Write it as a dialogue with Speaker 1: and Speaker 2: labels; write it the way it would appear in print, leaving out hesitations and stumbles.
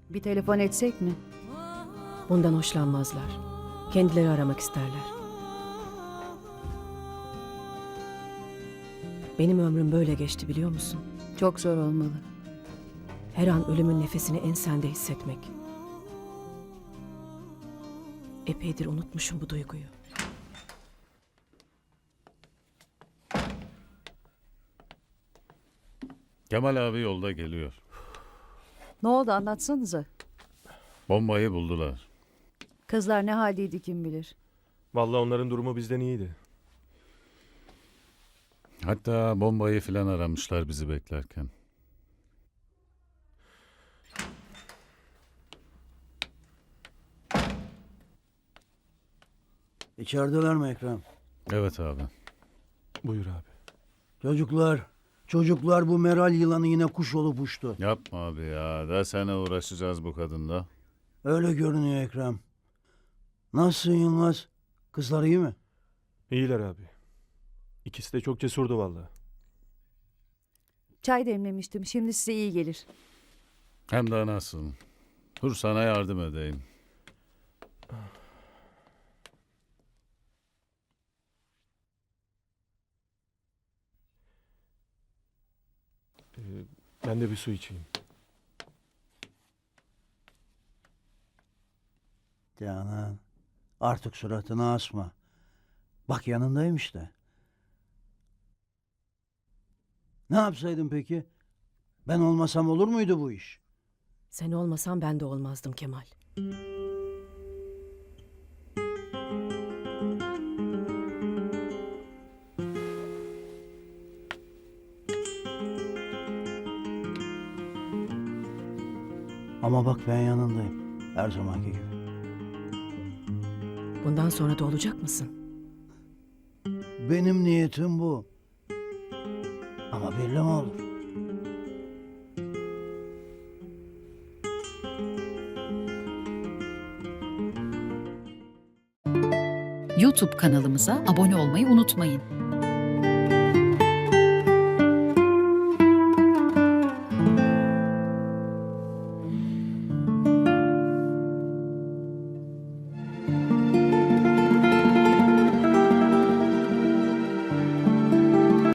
Speaker 1: Bir telefon etsek mi?
Speaker 2: Bundan hoşlanmazlar. Kendileri aramak isterler. Benim ömrüm böyle geçti biliyor musun?
Speaker 1: Çok zor olmalı.
Speaker 2: Her an ölümün nefesini ensende hissetmek. Epeydir unutmuşum bu duyguyu.
Speaker 3: Kemal abi yolda geliyor.
Speaker 1: Ne oldu anlatsanıza.
Speaker 3: Bombayı buldular.
Speaker 1: Kızlar ne haldeydi kim bilir.
Speaker 4: Vallahi onların durumu bizden iyiydi.
Speaker 3: Hatta bombayı filan aramışlar bizi beklerken.
Speaker 5: İçerideler mi Ekrem?
Speaker 3: Evet abi.
Speaker 4: Buyur abi.
Speaker 5: Çocuklar bu Meral yılanı yine kuş olup uçtu.
Speaker 3: Yapma abi ya. Daha sene uğraşacağız bu kadınla.
Speaker 5: Öyle görünüyor Ekrem. Nasılsın Yılmaz? Kızlar iyi mi?
Speaker 4: İyiler abi. İkisi de çok cesurdu vallahi.
Speaker 1: Çay demlemiştim. Şimdi size iyi gelir.
Speaker 3: Hem de nasıl. Dur sana yardım edeyim.
Speaker 4: Ben de bir su içeyim.
Speaker 5: Canan, artık suratını asma. Bak yanındayım işte. Ne yapsaydın peki? Ben olmasam olur muydu bu iş?
Speaker 2: Sen olmasan ben de olmazdım Kemal.
Speaker 5: Ama bak ben yanındayım. Her zamanki gibi.
Speaker 2: Bundan sonra da olacak mısın?
Speaker 5: Benim niyetim bu. Ama belli mi olur?
Speaker 6: YouTube kanalımıza abone olmayı unutmayın.